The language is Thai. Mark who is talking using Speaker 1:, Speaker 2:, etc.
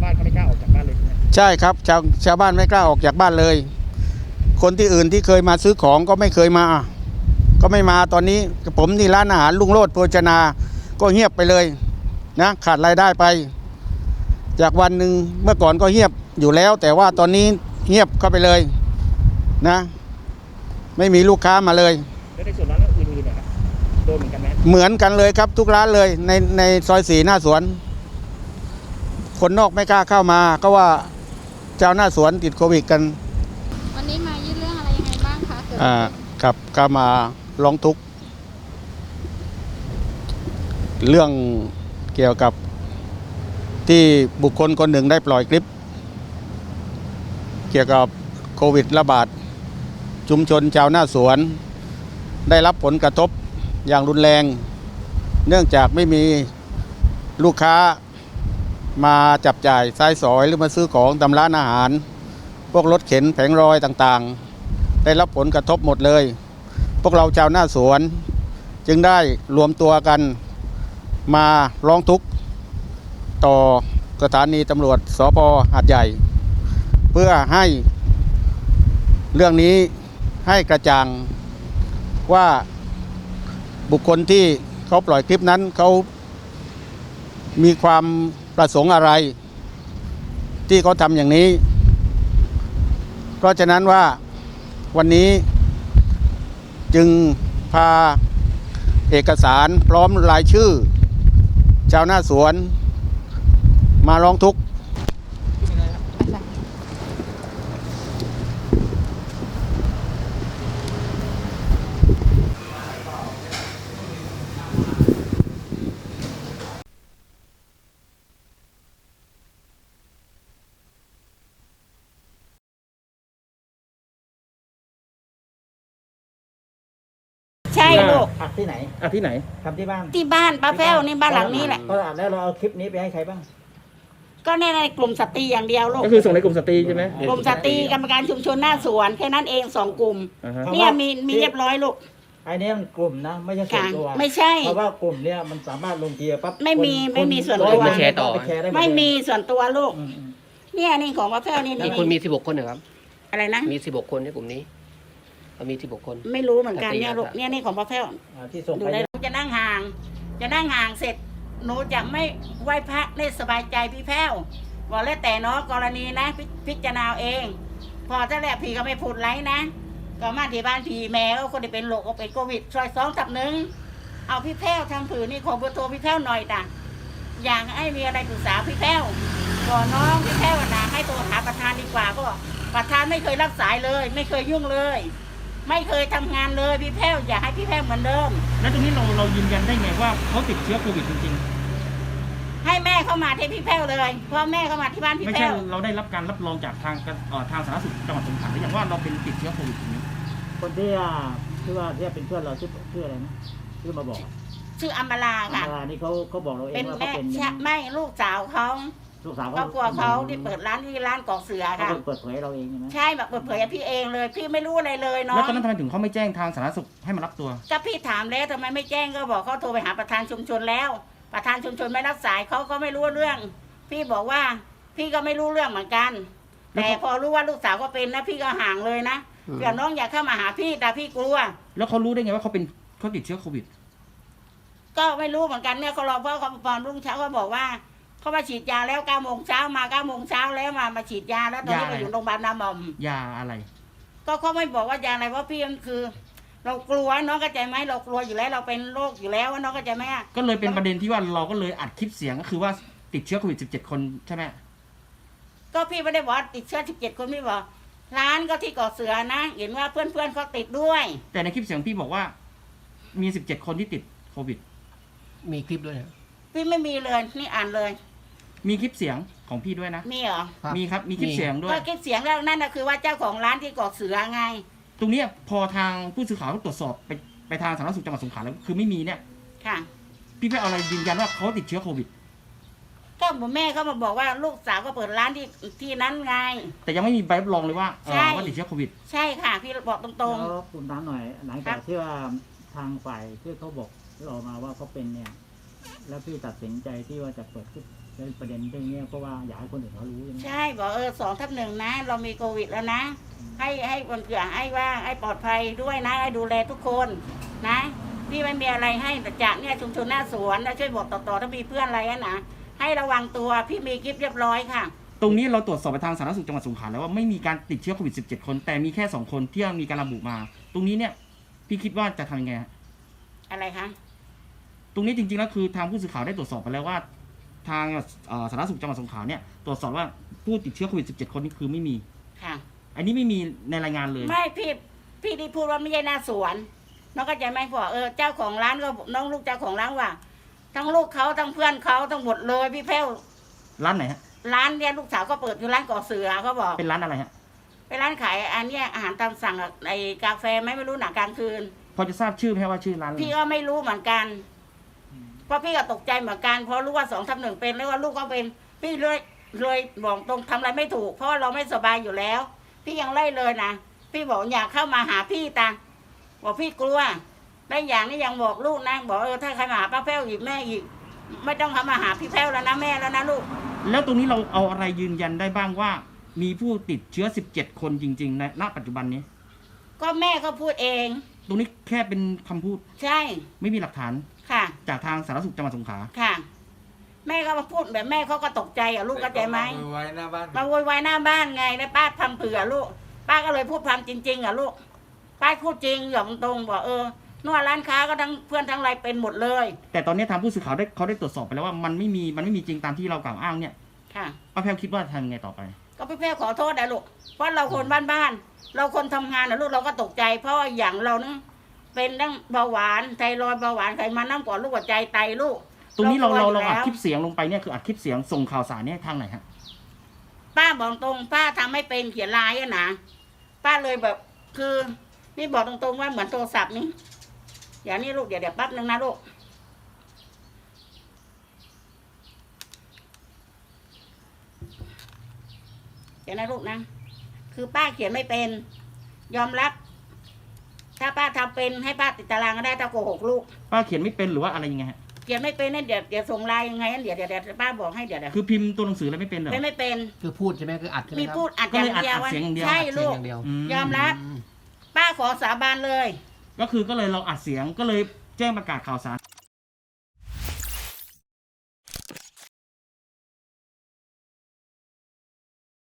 Speaker 1: บ้านเขาไม่กล้าออกจากบ้านเลยใช่ไหม
Speaker 2: ใช่ครับชาวบ้านไม่กล้าออกจากบ้านเลย คนที่อื่นที่เคยมาซื้อของก็ไม่เคยมา ก็ไม่มาตอนนี้ผมที่ร้านอาหารลุงโรจน์โภชนาก็เงียบไปเลยนะขาดรายได้ไป จากวันหนึ่งเมื่อก่อนก็เงียบอยู่แล้ว แต่ว่าตอนนี้เงียบเข้าไปเลยนะไม่มีลูกค้ามาเลย
Speaker 1: แล้วในส่วนร้านอื่นๆเนี่ยครับโดนเหมือนกันไหม
Speaker 2: เหมือนกันเลยครับทุกร้านเลยในซอย4หน้าสวนคนนอกไม่กล้าเข้ามาก็ว่าเจ้าหน้าสวนติดโควิดกัน
Speaker 3: วันนี้มายื่นเรื่องอะไรยังไงบ้างคะ
Speaker 2: ครับก็มาร้องทุกข์เรื่องเกี่ยวกับที่บุคคลคนหนึ่งได้ปล่อยคลิปเกี่ยวกับโควิดระบาดชุมชนชาวหน้าสวนได้รับผลกระทบอย่างรุนแรงเนื่องจากไม่มีลูกค้ามาจับจ่ายซ้ายสอยหรือมาซื้อของตามร้านอาหารพวกรถเข็นแผงรอยต่างๆได้รับผลกระทบหมดเลยพวกเราชาวหน้าสวนจึงได้รวมตัวกันมาร้องทุกข์ต่อสถานีตำรวจสภ.หาดใหญ่เพื่อให้เรื่องนี้ให้กระจ่างว่าบุคคลที่เขาปล่อยคลิปนั้นเขามีความประสงค์อะไรที่เขาทำอย่างนี้เพราะฉะนั้นว่าวันนี้จึงพาเอกสารพร้อมรายชื่อชาวหน้าสวนมาร้องทุกข์
Speaker 4: ใช่ลูก
Speaker 5: อัดที่ไหน
Speaker 1: ที่ไหน
Speaker 5: ทำที่บ้าน
Speaker 4: ที่บ้านป้าแพ้วนี่บ้านหลังนี้แหละ
Speaker 5: ก็อัดแล้วเราเอาคลิปนี้ไปให้ใครบ้าง
Speaker 4: ก็ในกลุ่มสตรีอย่างเดียวลูก
Speaker 1: ก็คือส่งในกลุ่มสตรีใช่ไหม
Speaker 4: กลุ่มสตรีกรรมการชุมชนหน้าสวนแค่นั้นเอง2 กลุ่มเนี่ยมีเรียบร้อยลูก
Speaker 5: ไอ้นี่มันกลุ่มนะไม่ใช่ส่วนตัว
Speaker 4: ไม่ใช่
Speaker 5: เพราะว่ากลุ่มเนี้ยมันสามารถลงเทียปั๊บ
Speaker 4: ไม่มีส่วนตัว
Speaker 5: แชร์ต่อ
Speaker 4: ไม่มีส่วนตัวลูกเนี่ยนี่ของป้าแพ้วนี่
Speaker 6: คนมี16 คนเหรอครับ
Speaker 4: อะไรนะ
Speaker 6: มี16 คนในกลุ่มนี้มี16 คน
Speaker 4: ไม่รู้เหมือนกันเนี่ยลูกเนี่ยนี่ของป้าแพ้ว
Speaker 5: ที่ส่งไป
Speaker 4: จะนั่งห่างเสร็จหนูจะไม่ไหว้พระได้สบายใจพี่แพ้วบอกแล้วแต่เนาะกรณีนะพิจารณาเองพอถ้าแหละผีก็ไม่พูดไรนะก็มาที่บ้านผีแม่ก็คนที่เป็นโรคก็เป็นโควิดซอย2/1เอาพี่แพ้วทางผืนนี่ขอเบอร์โทรพี่แพ้วหน่อยจ้ะอยากให้มีอะไรปรึกษาพี่แพ้วก่อนน้องพี่แพ้วนะให้โทรหาประธานดีกว่าก็ประธานไม่เคยรับสายเลยไม่เคยยุ่งเลยไม่เคยทำงานเลยพี่แพ้วอยากให้พี่แพ้วเหมือนเดิม
Speaker 1: แล้วตรงนี้เรายืนยันได้ไงว่าเขาติดเชื้อโควิดจริง
Speaker 4: ๆให้แม่เข้ามาที่พี่แพ้วเลยพ่อแม่เข้ามาที่บ้านพี่แพ้วไม่
Speaker 1: ใช่เราได้รับการรับรองจากทางสาธารณสุขจังหวัดสงขลาหรือยังว่าเราเป็นติดเชื้อโควิดตรงนี้
Speaker 5: คนที่ว่าที่เป็นเพื่อนเราชื่ออะไรนะชื่อมาบอก
Speaker 4: ชื่ออัมบาลาค่ะ
Speaker 5: อัมบาลานี่เขาบอกเราเองว่าเขาเป็น
Speaker 4: ไม่ลูกสาวเขา
Speaker 5: ลูกสาว
Speaker 4: ครอบครัวเขาที่เปิดร้านที่ร้านกอกเสือค่ะ
Speaker 5: เปิดเผยเราเองใช่ไหม
Speaker 4: ใช่แบบเปิดเผยพี่เองเลยพี่ไม่รู้อะไรเลยเนาะ
Speaker 1: แล้วตอนนั้นทำไมถึงเขาไม่แจ้งทางสาธารณสุขให้มารับตัว
Speaker 4: ก็พี่ถามแล้วทำไมไม่แจ้งก็บอกเขาโทรไปหาประธานชุมชนแล้วประธานชุมชนไม่รับสายเขาก็ไม่รู้เรื่องพี่บอกว่าพี่ก็ไม่รู้เรื่องเหมือนกันแต่พอรู้ว่าลูกสาวก็เป็นนะพี่ก็ห่างเลยนะเดี๋ยวน้องอยากเข้ามาหาพี่แต่พี่กลัว
Speaker 1: แล้วเขารู้ได้ไงว่าเขาติดเชื้อโควิด
Speaker 4: ก็ไม่รู้เหมือนกันเนี่ยเขารอเพราะเขาตอนรุ่งเช้าเขาบอกว่าเขามาฉีดยาแล้ว9 โมงเช้ามา9 โมงเช้าแล้วมาฉีดยาแล้วตอนนี้ไปอยู่โรงพยาบาลนาหม่อม
Speaker 1: ยาอะไร
Speaker 4: ก็เขาไม่บอกว่ายาอะไรเพราะพี่มันคือเรากลัวน้องเข้าใจไหมเรากลัวอยู่แล้วเราเป็นโรคอยู่แล้วน้องเข้าใจไหม
Speaker 1: ก็เลยเป็นประเด็นที่ว่าเราก็เลยอัดคลิปเสียงก็คือว่าติดเชื้อโควิด17 คนใช่ไหม
Speaker 4: ก็พี่ไม่ได้บอกติดเชื้อ17 คนพี่บอกร้านก็ที่เกาะเสือนะเห็นว่าเพื่อนเขาติดด้วย
Speaker 1: แต่ในคลิปเสียงพี่บอกว่ามี17 คนที่ติดโควิด
Speaker 6: มีคลิปด้วย
Speaker 4: พี่ไม่มีเลยนี่อ่านเลย
Speaker 1: มีคลิปเสียงของพี่ด้วยนะ
Speaker 4: มีเหรอ
Speaker 1: มีครับมีคลิปเสียงด้วย
Speaker 4: ก็คลิปเสียงแล้วนั่นนะคือว่าเจ้าของร้านที่เกาะเสือไง
Speaker 1: ตรงนี้พอทางผู้สื่อข่าวตรวจสอบไปทางสาธารณสุขจังหวัดสงขลาแล้วคือไม่มีเนี่ย
Speaker 4: ค่ะ
Speaker 1: พี่ไปเอาอะไรยืนยันว่าเขาติดเชื้อโควิด
Speaker 4: ก็แม่เขามาบอกว่าลูกสาวก็เปิดร้านที่นั้นไง
Speaker 1: แต่ยังไม่มีใบรับรองเลยว่าติดเชื้อโควิด
Speaker 4: ใช่ค่ะพี่บอกตรง
Speaker 5: ๆแล้วคุณถามหน่อยหลังจากที่ว่าทางฝ่ายที่เขาบอกเรามาว่าเขาเป็นเนี่ยแล้วพี่ตัดสินใจที่ว่าจะเปิดในประเด็นเรื่องนี้เพราะว่าอยากให้คนอื่นเขารู้ใช่ไหม
Speaker 4: ใช่บอก2/1นะเรามีโควิดแล้วนะ ให้คนเกลือให้ว่าให้ปลอดภัยด้วยนะให้ดูแลทุกคนนะพี่ไม่มีอะไรให้แต่จากเนี่ยชุมชนหน้าสวนแล้วช่วยบอกต่อๆถ้ามีเพื่อนอะไรนะให้ระวังตัวพี่มีคลิปเรียบร้อยค่ะ
Speaker 1: ตรงนี้เราตรวจสอบไปทางสาธารณสุขจังหวัดสงขลาแล้วว่าไม่มีการติดเชื้อโควิด 17 คนแต่มีแค่2คนที่มีการระบุมา ตรงนี้เนี่ยพี่คิดว่าจะทำยังไงฮะ
Speaker 4: อะไรคะ
Speaker 1: ตรงนี้จริงๆแล้วคือทางผู้สื่อข่าวได้ตรวจสอบไปแล้วว่า ทางสาธารณสุขจังหวัดสงขลาเนี่ยตรวจสอบว่าผู้ติดเชื้อโควิด 17 คนนี่คือไม่มี
Speaker 4: ค่ะ
Speaker 1: อันนี้ไม่มีในรายงานเลย
Speaker 4: ไม่พี่ที่พูดว่าไม่ใช่หน้าสวนน้องก็ใจไหมพอเจ้าของร้านก็น้องลูกเจ้าของร้านว่า ทั้งลูกเขาทั้งเพื่อนเขาทั้งหมดเลยพี่แพ้ว
Speaker 1: ร้านไหนฮะ
Speaker 4: ร้านเนี่ยลูกสาวก็เปิดอยู่ร้านก่อเสือเขาบอก
Speaker 1: เป็นร้านอะไรฮะ
Speaker 4: เป็นร้านขายอันเนี้ยอาหารตามสั่งอะไอ้กาแฟไม่รู้หนักกลางคืน
Speaker 1: พอจะทราบชื่อไหมฮะว่าชื่อร้านอะไร
Speaker 4: พี่ก็ไม่รู้เหมือนกันเพราะพี่ก็ตกใจเหมือนกันเพราะรู้ว่า2/1เป็นแล้วว่าลูกก็เป็นพี่เลยบอกตรงทำอะไรไม่ถูก เพราะว่าเราไม่สบายอยู่แล้ว พี่ยังไล่เลยนะพี่บอกอยากเข้ามาหาพี่ตาบอกพี่กลัวได้อย่างนี้ยังบอกลูกนะบอกถ้าใครมาหาป้าแพ้วอีกแม่อีก ไม่ต้องเข้ามาหาพี่แพ้วแล้วนะแม่แล้วนะลูก
Speaker 1: แล้วตรงนี้เราเอาอะไรยืนยันได้บ้างว่า มีผู้ติดเชื้อ 17 คนจริงๆในณปัจจุบันนี้
Speaker 4: ก็แม่เขาพูดเอง
Speaker 1: ตรงนี้แค่เป็นคำพูด
Speaker 4: ใช่
Speaker 1: ไม่มีหลักฐาน
Speaker 4: ค่ะ
Speaker 1: จากทางสาธารณสุขจังหวัดสงขลา
Speaker 4: ค่ะ แม่ก็มาพูดแบบแม่เขาก็ตกใจลูกเข้าใจไหม
Speaker 7: โวยวายหน้าบ้าน
Speaker 4: มาโวยวายหน้าบ้านไงแล้วป้าทำเผื่อลูกป้าก็เลยพูดความจริงๆลูกป้าพูดจริงอย่างตรงบอกนวดร้านค้าก็ทั้งเพื่อนทั้งอะไรเป็นหมดเลย
Speaker 1: แต่ตอนนี้ทางผู้สื่อข่าวเขาได้ตรวจสอบไปแล้วว่ามันไม่มีจริงตามที่เรากล่าวอ้างเนี่ย
Speaker 4: ค่ะ
Speaker 1: ป้าแพรวคิดว่าทำยังไงต่อไป
Speaker 4: ก็พี่แพ้ขอโทษนะลูกเพราะเราคนบ้านๆเราคนทำงานลูกเราก็ตกใจ เพราะว่าอย่างเราเนี่ยเป็นทั้งเบาหวานไทรอยด์เบาหวานไขมันน้ำก่อนลูกหัวใจไตลูก
Speaker 1: ตรงนี้เรา
Speaker 4: กลัวอยู่
Speaker 1: อัด
Speaker 4: แล้ว
Speaker 1: คลิปเสียงลงไปเนี่ยคืออัดคลิปเสียงส่งข่าวสารเนี่ยทางไหนฮะ
Speaker 4: ป้าบอกตรงป้าทำไม่เป็นเขียนลายอะนะป้าเลยแบบคือนี่บอกตรงๆว่าเหมือนโทรศัพท์นี่เดี๋ยวนี่ลูกเดี๋ยวแป๊บนึงนะลูกเดี๋ยวนะลูกนะคือป้าเขียนไม่เป็น ยอมรับ ถ้าป้าทำเป็นให้ป้าติดตารางก็ได้ถ้าโกหกลูก
Speaker 1: ป้าเขียนไม่เป็นหรือว่าอะไรยังไงฮะ
Speaker 4: เขียนไม่เป็นนั่นเดี๋ยวส่งไลน์ยังไงนั่นเดี๋ยวป้าบอกให้เดี๋ยว
Speaker 1: คือพิมพ์ตัวหนังสืออะไรไม่เป็นเหรอ
Speaker 4: ไม่เป็น
Speaker 6: คือพูดใช่ไหมคืออัดใช่ไหม
Speaker 4: มี
Speaker 6: ครับ
Speaker 4: พูดอัด
Speaker 1: ก็
Speaker 4: อย่าง
Speaker 1: เลยอัด
Speaker 4: เดียว
Speaker 1: เสียงอย่างเดียว
Speaker 4: ใช่
Speaker 6: อัดเสีย
Speaker 4: ลู
Speaker 6: ง
Speaker 4: ก
Speaker 6: อย่างเดียว
Speaker 4: ยอมรับ
Speaker 6: อืม
Speaker 4: ป้าขอสาบานเลย
Speaker 1: ก็เลยเราอัดเสียงก็เลยแจ้งประกาศข่าวสาร